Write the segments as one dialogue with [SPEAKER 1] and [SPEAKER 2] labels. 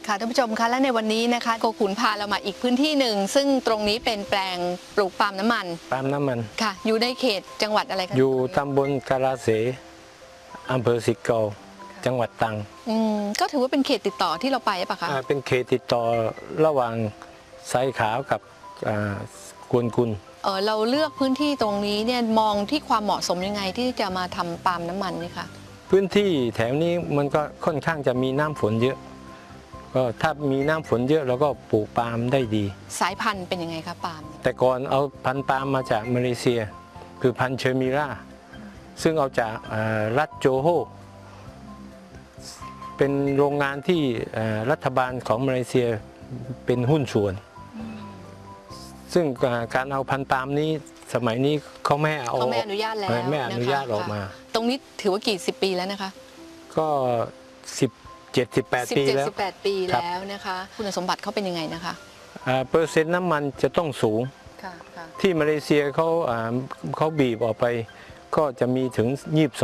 [SPEAKER 1] ค่ะท่านผู้ชมคะและในวันนี้นะคะโกขุนพาเรามาอีกพื้นที่หนึ่งซึ่งตรงนี้เป็นแปลงปลูกปาล์มน้ำมันค่ะอยู่ในเขตจังหวัดอะไรคะ
[SPEAKER 2] อยู่ตำบลกาลาเสอำเภอสิเกาจังหวัดตรัง
[SPEAKER 1] ก็ถือว่าเป็นเขตติดต่อที่เราไปปะคะ
[SPEAKER 2] เป็นเขตติดต่อระหว่างไซขาวกับกวนกุล
[SPEAKER 1] เราเลือกพื้นที่ตรงนี้เนี่ยมองที่ความเหมาะสมยังไงที่จะมาทำปาล์มน้ำมันนี่คะ
[SPEAKER 2] พื้นที่แถวนี้มันก็ค่อนข้างจะมีน้ำฝนเยอะก็ถ้ามีน้ำฝนเยอะเราก็ปลูกปาล์มได้ดี
[SPEAKER 1] สายพันธุ์เป็นยังไงคะปาล์ม
[SPEAKER 2] แต่ก่อนเอาพันธุ์ปาล์มมาจากมาเลเซียคือพันธุ์เชอร์มิราซึ่งเอาจากรัฐโจโฮเป็นโรงงานที่รัฐบาลของมาเลเซียเป็นหุ้นส่วนซึ่งการเอาพันธุ์ปาล์มนี้สมัยนี้เขาไม่
[SPEAKER 1] อนุญาตแล้ว
[SPEAKER 2] ไม่อนุญาตออกมา
[SPEAKER 1] ตรงนี้ถือว่ากี่สิบปีแล้วนะคะ
[SPEAKER 2] ก็17-18 ปีแล้ว
[SPEAKER 1] 17-18 ปีแล้วนะคะคุณสมบัติเขาเป็นยังไงนะคะ
[SPEAKER 2] เปอร์เซ็นต์น้ำมันจะต้องสูงที่มาเลเซียเขาบีบออกไปก็จะมีถึง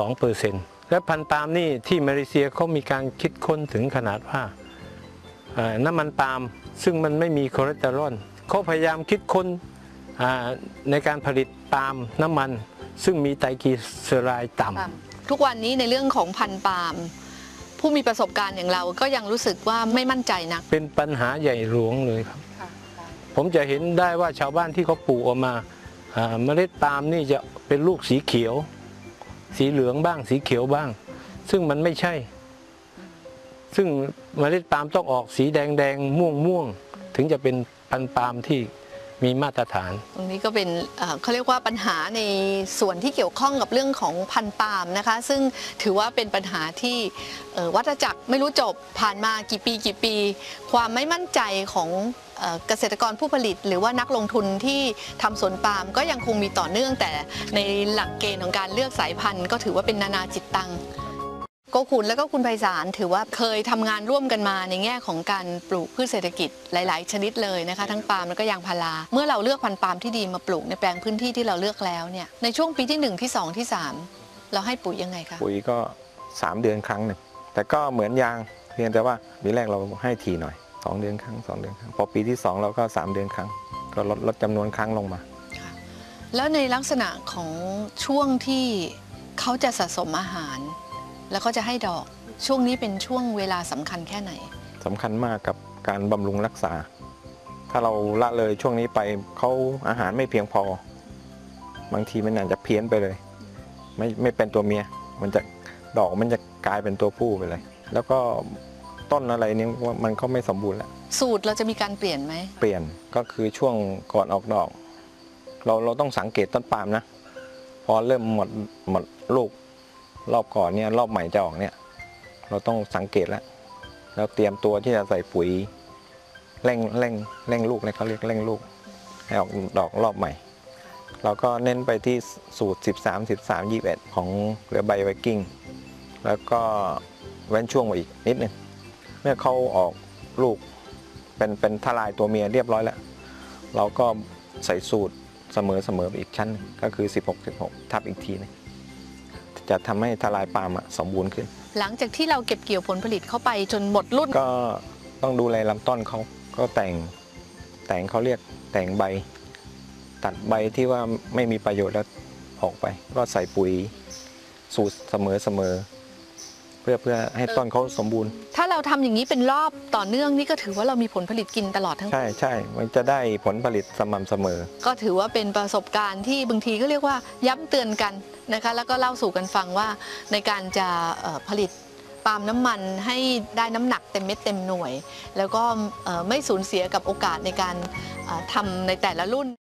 [SPEAKER 2] 22%และพันธุ์ปาล์มนี่ที่มาเลเซียเขามีการคิดค้นถึงขนาดว่าน้ำมันปาล์มซึ่งมันไม่มีคอเลสเตอรอลเขาพยายามคิดค้นในการผลิตปาล์มน้ำมันซึ่งมีไตรกลีเซอไรด์ต่ำ
[SPEAKER 1] ทุกวันนี้ในเรื่องของพันธุ์ปาล์มผู้มีประสบการณ์อย่างเราก็ยังรู้สึกว่าไม่มั่นใจนัก
[SPEAKER 2] เป็นปัญหาใหญ่หลวงเลยครับผมจะเห็นได้ว่าชาวบ้านที่เขาปลูกออกมาเมล็ดปาล์มนี่จะเป็นลูกสีเขียวสีเหลืองบ้างสีเขียวบ้างซึ่งมันไม่ใช่ซึ่งเมล็ดปาล์มต้องออกสีแดงม่วงถึงจะเป็นพันธุ์ปาล์มที่มีมาตรฐาน
[SPEAKER 1] ตรงนี้ก็เป็นเขาเรียกว่าปัญหาในส่วนที่เกี่ยวข้องกับเรื่องของพันธุ์ปาล์มนะคะซึ่งถือว่าเป็นปัญหาที่วัฏจักรไม่รู้จบผ่านมากี่ปีความไม่มั่นใจของเกษตรกรผู้ผลิตหรือว่านักลงทุนที่ทำสวนปาล์มก็ยังคงมีต่อเนื่องแต่ในหลักเกณฑ์ของการเลือกสายพันธุ์ก็ถือว่าเป็นนานาจิตตังโกขุนและก็คุณไพศาลถือว่าเคยทำงานร่วมกันมาในแง่ของการปลูกพืชเศรษฐกิจหลายๆชนิดเลยนะคะทั้งปาล์มแล้วก็ยางพาราเมื่อเราเลือกพันธุ์ปาล์มที่ดีมาปลูกในแปลงพื้นที่ที่เราเลือกแล้วเนี่ยในช่วงปีที่1ที่2ที่3เราให้ปุ๋ยยังไงคะ
[SPEAKER 3] ปุ๋ยก็3 เดือนครั้งหนึ่งแต่ก็เหมือนยางเพียงแต่ว่าปีแรกเราให้ทีหน่อย2 เดือนครั้งพอปีที่2เราก็3 เดือนครั้งก็ลดจำนวนครั้งลงมา
[SPEAKER 1] แล้วในลักษณะของช่วงที่เขาจะสะสมอาหารแล้วก็จะให้ดอกช่วงนี้เป็นช่วงเวลาสำคัญแค่ไหน
[SPEAKER 3] สำคัญมากกับการบำรุงรักษาถ้าเราละเลยช่วงนี้ไปเขาอาหารไม่เพียงพอบางทีมันอาจจะเพี้ยนไปเลยไม่เป็นตัวเมียมันจะดอกมันจะกลายเป็นตัวผู้ไปเลยแล้วก็ต้นอะไรนี้มันก็ไม่สมบูรณ์แล้ว
[SPEAKER 1] สูตรเราจะมีการเปลี่ยนไหม
[SPEAKER 3] เปลี่ยนก็คือช่วงก่อนออกดอกเราต้องสังเกตต้นปาล์มนะพอเริ่มหมดลูกรอบก่อนเนี่ยรอบใหม่จะออกเนี่ยเราต้องสังเกตแล้วเตรียมตัวที่จะใส่ปุ๋ยเร่งลูกเลยเขาเรียกเร่งลูกให้ออกดอกรอบใหม่เราก็เน้นไปที่สูตร13-13-21ของเรือใบไวกิ้งแล้วก็เว้นช่วงมาอีกนิดนึงเมื่อเขาออกลูกเป็นทลายตัวเมียเรียบร้อยแล้วเราก็ใส่สูตรเสมออีกชั้นก็คือ16-16ทับอีกทีนึงจะทำให้ทลายปาล์มสมบูรณ์ขึ้น
[SPEAKER 1] หลังจากที่เราเก็บเกี่ยวผลผลิตเข้าไปจนหมดรุ่น
[SPEAKER 3] ก็ต้องดูแลลำต้นเขาก็แต่งเขาเรียกแต่งใบตัดใบที่ว่าไม่มีประโยชน์แล้วออกไปก็ใส่ปุ๋ยสูตรเสมอเพื่อให้ต้นเขาสมบูรณ์
[SPEAKER 1] ถ้าเราทำอย่างนี้เป็นรอบต่อเนื่องนี่ก็ถือว่าเรามีผลผลิตกินตลอดทั้งปี
[SPEAKER 3] ใช่มันจะได้ผลผลิตสม่ำเสมอ
[SPEAKER 1] ก็ถือว่าเป็นประสบการณ์ที่บางทีก็เรียกว่าย้ำเตือนกันนะคะแล้วก็เล่าสู่กันฟังว่าในการจะผลิตปาล์มน้ำมันให้ได้น้ำหนักเต็มเม็ดเต็มหน่วยแล้วก็ไม่สูญเสียกับโอกาสในการทำในแต่ละรุ่น